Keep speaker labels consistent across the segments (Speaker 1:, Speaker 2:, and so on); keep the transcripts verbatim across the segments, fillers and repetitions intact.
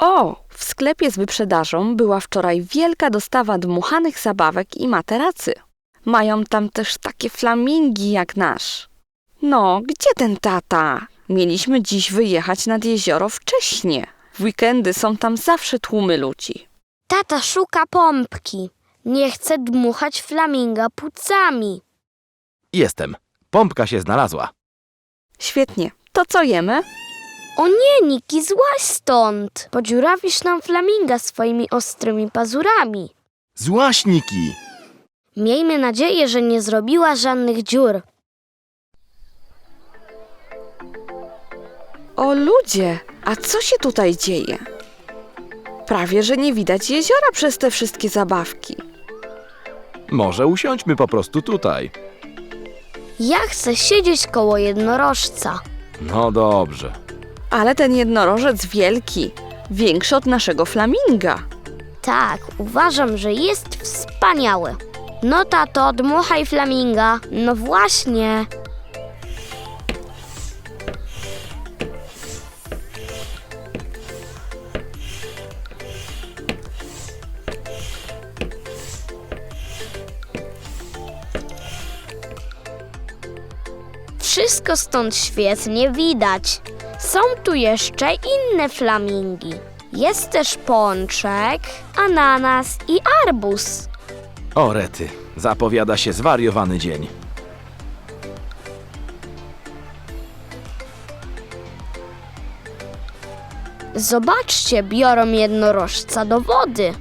Speaker 1: O, w sklepie z wyprzedażą była wczoraj wielka dostawa dmuchanych zabawek i materacy. Mają tam też takie flamingi jak nasz. No, gdzie ten tata? Mieliśmy dziś wyjechać nad jezioro wcześnie. W weekendy są tam zawsze tłumy ludzi.
Speaker 2: Tata szuka pompki. Nie chce dmuchać flaminga płucami.
Speaker 3: Jestem. Pompka się znalazła.
Speaker 1: Świetnie. To co jemy?
Speaker 2: O nie, Niki, złaź stąd. Podziurawisz nam flaminga swoimi ostrymi pazurami.
Speaker 3: Złaśniki!
Speaker 2: Miejmy nadzieję, że nie zrobiła żadnych dziur.
Speaker 1: O ludzie, a co się tutaj dzieje? Prawie, że nie widać jeziora przez te wszystkie zabawki.
Speaker 3: Może usiądźmy po prostu tutaj.
Speaker 2: Ja chcę siedzieć koło jednorożca.
Speaker 3: No dobrze.
Speaker 1: Ale ten jednorożec wielki, większy od naszego flaminga.
Speaker 2: Tak, uważam, że jest wspaniały. No tato, dmuchaj flaminga. No właśnie. Wszystko stąd świetnie widać. Są tu jeszcze inne flamingi. Jest też pączek, ananas i arbuz.
Speaker 3: O rety, zapowiada się zwariowany dzień.
Speaker 2: Zobaczcie, biorą jednorożca do wody.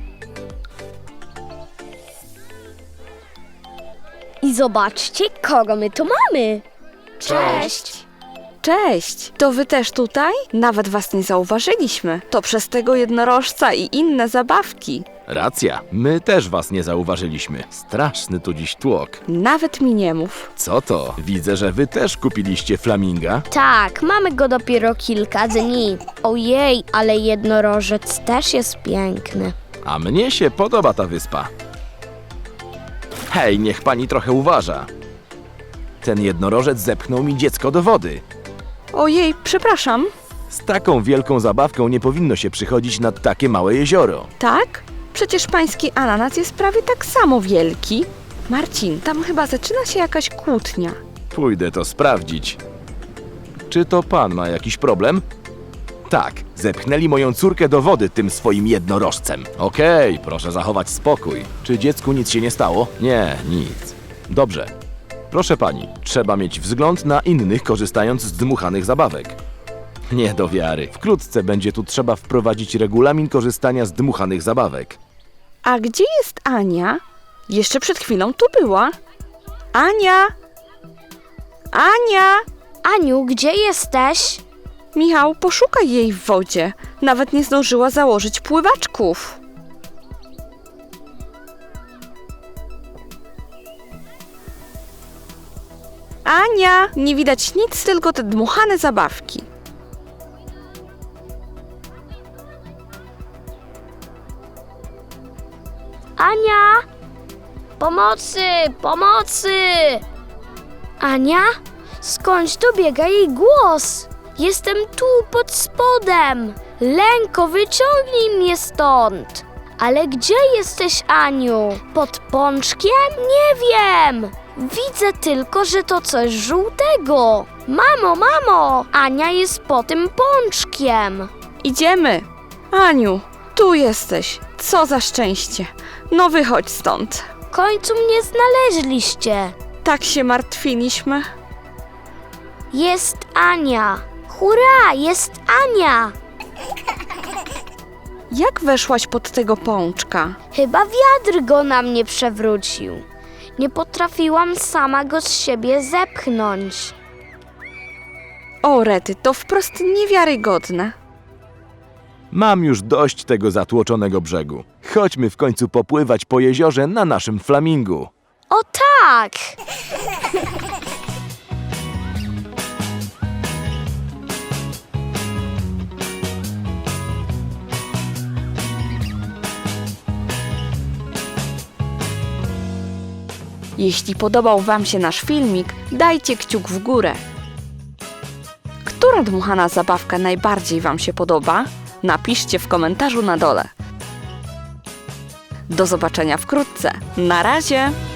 Speaker 2: I zobaczcie, kogo my tu mamy.
Speaker 3: Cześć.
Speaker 1: Cześć, to wy też tutaj? Nawet was nie zauważyliśmy. To przez tego jednorożca i inne zabawki.
Speaker 3: Racja, my też was nie zauważyliśmy. Straszny tu dziś tłok.
Speaker 1: Nawet mi nie mów.
Speaker 3: Co to? Widzę, że wy też kupiliście flaminga.
Speaker 2: Tak, mamy go dopiero kilka dni. Ojej, ale jednorożec też jest piękny.
Speaker 3: A mnie się podoba ta wyspa. Hej, niech pani trochę uważa. Ten jednorożec zepchnął mi dziecko do wody.
Speaker 1: Ojej, przepraszam.
Speaker 3: Z taką wielką zabawką nie powinno się przychodzić nad takie małe jezioro.
Speaker 1: Tak? Przecież pański ananas jest prawie tak samo wielki. Marcin, tam chyba zaczyna się jakaś kłótnia.
Speaker 3: Pójdę to sprawdzić. Czy to pan ma jakiś problem? Tak, zepchnęli moją córkę do wody tym swoim jednorożcem. Okej, proszę zachować spokój. Czy dziecku nic się nie stało? Nie, nic. Dobrze. Proszę pani, trzeba mieć wzgląd na innych, korzystając z dmuchanych zabawek. Nie do wiary. Wkrótce będzie tu trzeba wprowadzić regulamin korzystania z dmuchanych zabawek.
Speaker 1: A gdzie jest Ania? Jeszcze przed chwilą tu była. Ania! Ania!
Speaker 2: Aniu, gdzie jesteś?
Speaker 1: Michał, poszukaj jej w wodzie. Nawet nie zdążyła założyć pływaczków. Ania! Nie widać nic, tylko te dmuchane zabawki.
Speaker 2: Ania! Pomocy! Pomocy! Ania? Skądś dobiega jej głos? Jestem tu, pod spodem. Lenko, wyciągnij mnie stąd. Ale gdzie jesteś, Aniu? Pod pączkiem? Nie wiem. Widzę tylko, że to coś żółtego. Mamo, mamo! Ania jest po tym pączkiem.
Speaker 1: Idziemy. Aniu, tu jesteś. Co za szczęście. No wychodź stąd.
Speaker 2: W końcu mnie znaleźliście.
Speaker 1: Tak się martwiliśmy.
Speaker 2: Jest Ania. Hurra, jest Ania.
Speaker 1: Jak weszłaś pod tego pączka?
Speaker 2: Chyba wiatr go na mnie przewrócił. Nie potrafiłam sama go z siebie zepchnąć.
Speaker 1: O rety, to wprost niewiarygodne.
Speaker 3: Mam już dość tego zatłoczonego brzegu. Chodźmy w końcu popływać po jeziorze na naszym flamingu.
Speaker 2: O tak!
Speaker 1: Jeśli podobał wam się nasz filmik, dajcie kciuk w górę. Która dmuchana zabawka najbardziej wam się podoba? Napiszcie w komentarzu na dole. Do zobaczenia wkrótce. Na razie!